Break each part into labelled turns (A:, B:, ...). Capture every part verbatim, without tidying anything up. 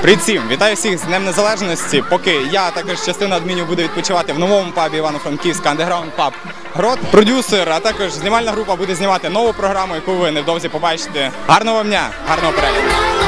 A: Привіт всім! Вітаю всіх з Днем Незалежності. Поки я, також частина адмінів, буде відпочивати в новому пабі Івано-Франківська Underground Pub Грот. Продюсер, а також знімальна група буде знімати нову програму, яку ви невдовзі побачите. Гарного вам дня, гарного перегляду!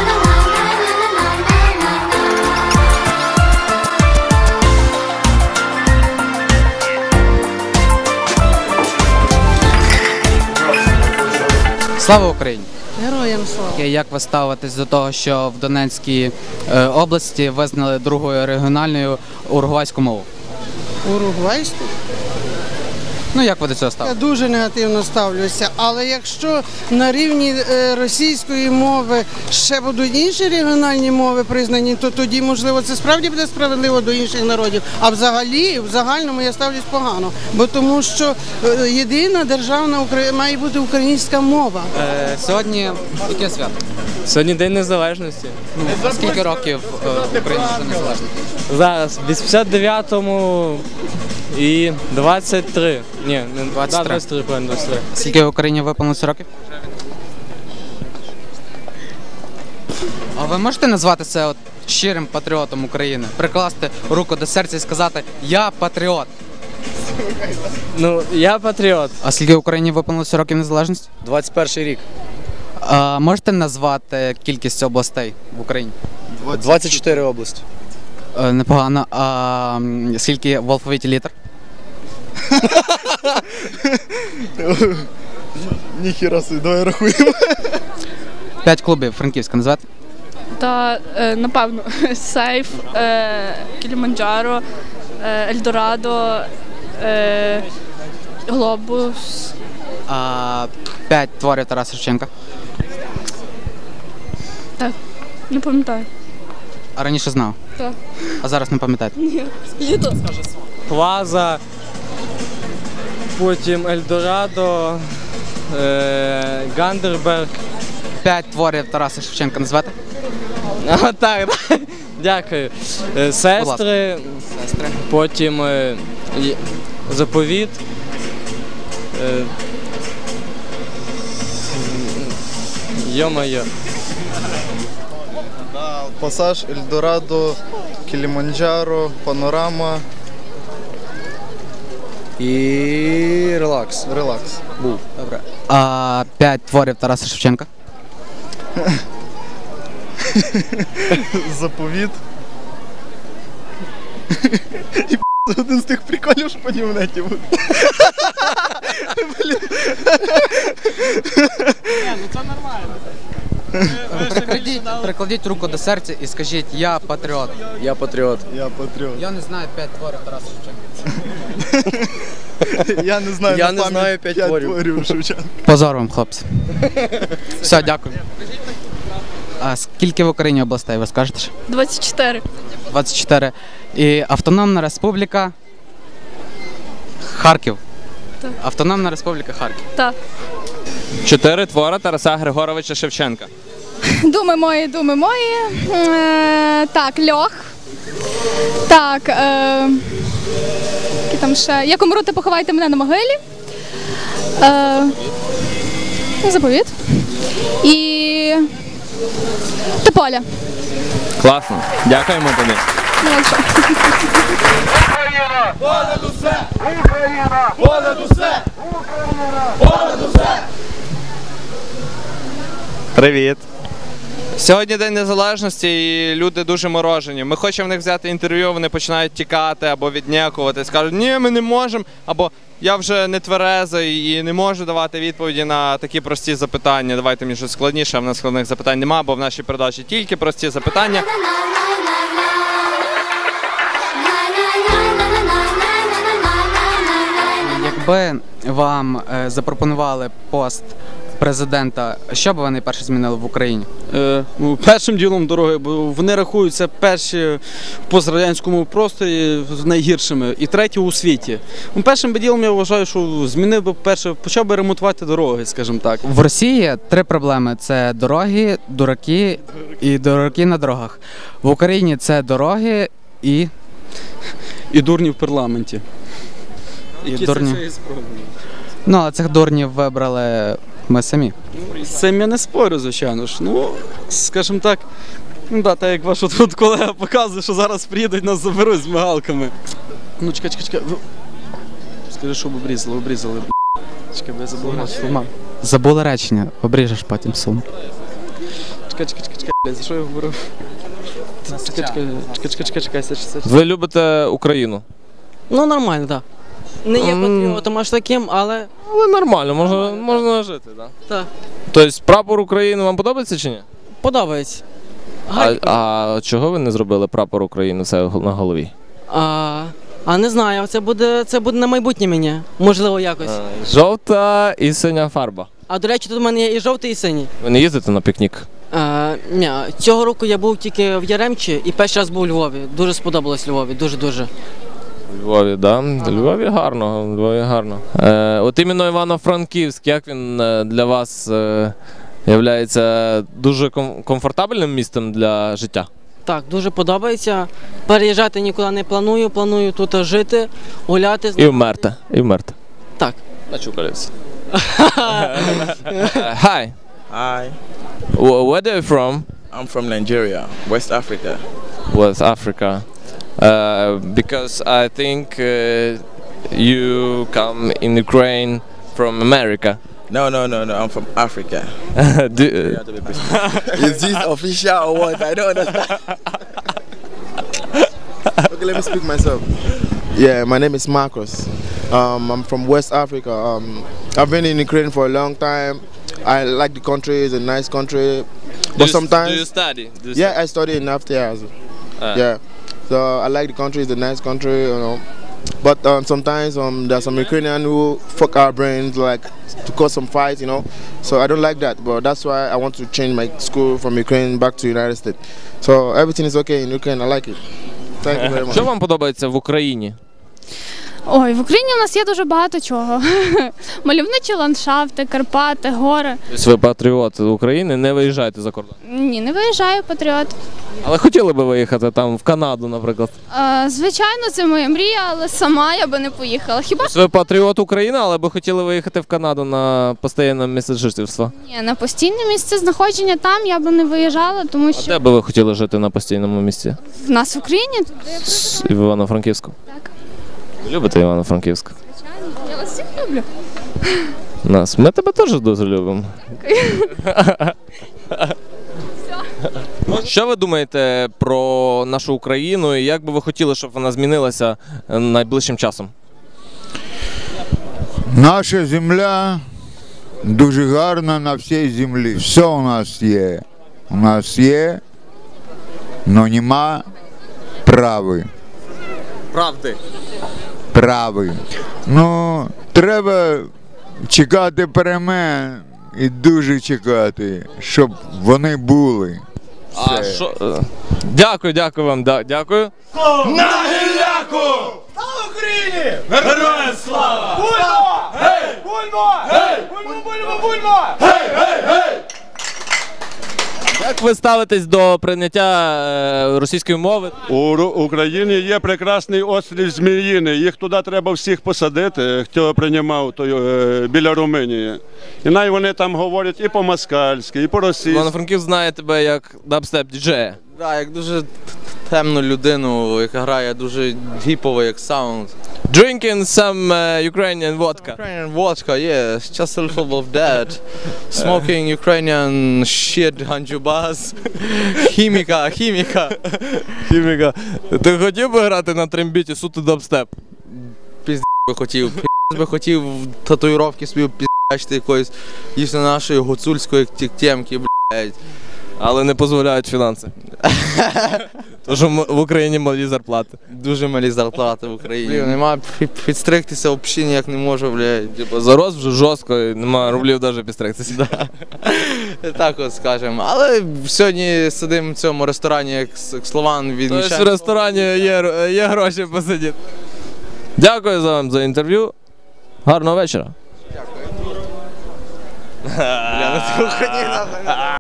B: Слава Україні!
C: Героям слава!
B: Як ви ставитесь до того, що в Донецькій е, області визнали другою регіональною уругвайську мову?
C: Уругвайську?
B: Ну, як ви до цього
C: Я
B: ставитесь?
C: дуже негативно ставлюся, але якщо на рівні е, російської мови ще будуть інші регіональні мови признані, то тоді, можливо, це справді буде справедливо до інших народів. А взагалі, в загальному я ставлюсь погано, бо тому що е, єдина державна Украї... має бути українська мова.
B: Е, сьогодні яке свято?
D: Сьогодні День Незалежності.
B: Ну, скільки років е, Україна вже незалежна?
D: Зараз в вісімдесят дев'ятому і двадцять три. Ні, не
B: двадцять три.
D: двадцять три, правильно, двадцять три.
B: Скільки в Україні виповнилося років? А ви можете назвати це от щирим патріотом України? Прикласти руку до серця і сказати «Я патріот».
D: Ну, я патріот.
B: А скільки в Україні виповнилося років незалежності?
D: двадцять перший рік.
B: А можете назвати кількість областей в Україні?
D: двадцять чотири області.
B: Е, Непогано. А м, скільки в алфавіті літер?
E: Ніхіра собі, давай рахуємо.
B: П'ять клубів Франківська назвати?
F: Та, е, напевно, Сейф, е, Кіліманджаро, е, Ельдорадо, е, Глобус.
B: А п'ять творів Тараса Шевченка.
F: Так, не пам'ятаю.
B: А раніше знав?
F: Так.
B: А зараз не пам'ятаєте?
F: Літо.
D: Плаза, потім Ельдорадо, е, Гандерберг.
B: П'ять творів Тараса Шевченка назвати?
D: А, так, дякую. Е, Сестри,
B: Сестри.
D: потім е, і- Заповіт. Е, Йо-моє.
E: Пасаж, Ельдорадо, Кіліманджаро, Панорама
D: І релакс.
E: Релакс.
D: Був.
B: Добре. А п'ять творів Тараса Шевченка?
E: Заповіт. І це один з тих приколів, що по німнеті буде.
B: Прикладіть, прикладіть руку до серця і скажіть «Я патріот».
D: Я патріот.
E: Я патріот.
B: Я не знаю п'ять творів Тараса Шевченка.
E: Я не знаю,
D: Я
E: на
D: не
E: пам'ять
D: знаю п'ять
E: п'ять
D: творів.
E: творів Шевченка.
B: Позор вам, хлопці. Все, дякую. А скільки в Україні областей, ви скажете?
F: двадцять чотири.
B: двадцять чотири. І Автономна Республіка Харків.
F: Так.
B: Автономна Республіка Харків.
F: Так.
D: Чотири твори Тараса Григоровича Шевченка.
G: Думи мої, думи мої. Е, так, льох. Так. Е, які там ще? Як умру, ти поховайте мене на могилі. Е, заповіт. І Тополя.
D: Класно. Дякуємо тобі.
G: Ну, а що?
H: Україна! Понад усе! Україна! Понад усе! Україна! Понад усе!
D: Привіт. Сьогодні День Незалежності і люди дуже морожені. Ми хочемо в них взяти інтерв'ю, вони починають тікати або віднякувати. Скажуть, ні, ми не можемо, або я вже не тверезий і не можу давати відповіді на такі прості запитання. Давайте мені щось складніше, а в нас складних запитань немає, бо в нашій передачі тільки прості запитання.
B: Якби вам е, запропонували пост президента, що б ви найперше змінили в Україні?
I: Е, ну, першим ділом дороги, бо вони рахуються перші в пострадянському просторі найгіршими і треті у світі. Ну, першим би ділом я вважаю, що змінив би перше, почав би ремонтувати дороги, скажімо так.
B: В Росії три проблеми: це дороги, дураки і дураки на дорогах. В Україні це дороги і,
I: І дурні в парламенті.
B: і
I: Які
B: дурні.
I: це все і спробують.
B: Ну, а цих дурнів вибрали ми самі.
I: З цим я не спорю, звичайно ж. Ну, скажімо так, Ну так, так як ваш тут колега показує, що зараз приїдуть, нас заберуть з мигалками. Ну чекай, чекай, чекай. Скажи, щоб обрізали, обрізали. Чекай, бо я забув речення.
B: Забули речення, обріжеш потім сум.
I: Чекай, чекай, чекай, чекай, за що я говорив? Чекай, чекай, чекай, чекай, чекай, чекай, це ж це ж.
D: Ви любите Україну?
J: Ну, нормально, так. Не є
D: М.
J: патріотом аж таким, але
D: Але нормально, можна, можна жити, так?
J: так,
D: Тобто прапор України вам подобається чи ні?
J: подобається.
D: А,
J: Гай-
D: а чого ви не зробили прапор України все на голові?
J: А, а не знаю, це буде, це буде на майбутнє мені, можливо, якось.
D: Жовта і синя фарба.
J: А до речі, тут у мене є і жовтий, і синій.
D: Ви не їздите на пікнік?
J: А, ні, цього року я був тільки в Яремчі і перший раз був у Львові. Дуже сподобалось Львові, дуже-дуже.
D: У Львові, да? В Львові гарно, в Львові гарно. Е, от іменно Івано-Франківськ, як він е, для вас е, являється дуже ком- комфортабельним містом для життя?
J: Так, дуже подобається. Переїжджати нікуди не планую, планую тут жити, гуляти.
D: І вмерти, і вмерти.
J: Так.
D: Начукалився. Hi.
K: Hi,
D: Wh- Where are you from?
K: I'm from Nigeria, West Africa.
D: West Africa. Uh, because I think uh, you come in Ukraine from America.
K: No, no, no, no, I'm from Africa.
D: Do,
K: Is this official or what? I don't understand. Okay, let me speak myself. Yeah, my name is Marcus. Um, I'm from West Africa. Um, I've been in Ukraine for a long time. I like the country; it's a nice country. But sometimes,
D: do you study? Do you
K: yeah, I study in After.
D: Ah.
K: Yeah, so I like the country; it's a nice country, you know. But um, sometimes um, there's some Ukrainian who fuck our brains, like to cause some fights, you know. So I don't like that. But that's why I want to change my school from Ukraine back to United States. So everything is okay in Ukraine. I like it. Thank you very much.
D: Що вам подобається в Україні?
G: Ой, в Україні у нас є дуже багато чого. Мальовничі ландшафти, Карпати, гори.
D: Тобто ви патріот України, не виїжджаєте за кордон.
G: Ні, не виїжджаю, патріот.
D: Але хотіли би виїхати там в Канаду, наприклад.
G: Е, звичайно, це моя мрія, але сама я би не поїхала. Хіба
D: Тобто ви патріот України, але би хотіли виїхати в Канаду на постійне місце жительства.
G: ні, на постійне місце знаходження там я би не виїжджала, тому
D: А
G: що
D: де би ви хотіли жити на постійному місці?
G: в нас в Україні.
D: В Івано-Франківську?
G: Так.
D: Ви любите Івано-Франківськ?
G: Я вас всіх люблю.
D: Нас. Ми тебе теж дуже любимо. Що ви думаєте про нашу Україну і як би ви хотіли, щоб вона змінилася е, найближчим часом?
L: Наша земля дуже гарна на всій землі. Все у нас є. У нас є, але нема прави.
D: Правди.
L: Прави. Ну, треба чекати перемен і дуже чекати, щоб вони були.
D: А
L: Все.
D: що? е, Дякую, дякую вам. да- Дякую.
H: На гілляку! Слава Україні! Героям слава! Бульмо! Гей! Бульмо! Гей! Бульмо, бульмо, бульмо! Гей, гей, гей!
D: Як ви ставитесь до прийняття е, російської мови?
M: У Ру- Україні є прекрасний острів Зміїний. Їх туди треба всіх посадити, хто приймав той, е, біля Румунії. І най вони там говорять і по-москальськи, і по-російськи.
D: Івано-Франківськ знає тебе як дабстеп-діджея.
N: Так, як дуже темну людину, яка грає дуже гіпово, як саунд.
D: Drinking some uh, Ukrainian vodka.
N: Ukrainian vodka, yes, just a little of that. Smoking Ukrainian shit, ганджубас. Хіміка, хіміка.
D: Хіміка. Ти хотів би грати на трембіті суто дабстеп?
N: Пізд би хотів, пізд би хотів татуїровки собі піздячити якоїсь дійсно нашої гуцульської темки, блядь.
D: Але не дозволяють фінанси. Тому що м- в Україні малі зарплати.
N: Дуже малі зарплати в Україні. Блін, нема пі- підстригтися взагалі ніяк не можу, блядь.
D: Типу, зарос вже жорстко, і нема рублів навіть підстригтися.
N: Так от скажемо. Але сьогодні сидимо в цьому ресторані, як с- як Слован від
D: Тобто в ресторані є, р- є гроші посидіти. Дякую за вам за інтерв'ю. Гарного вечора.
N: Бля, ну ти охуєнна.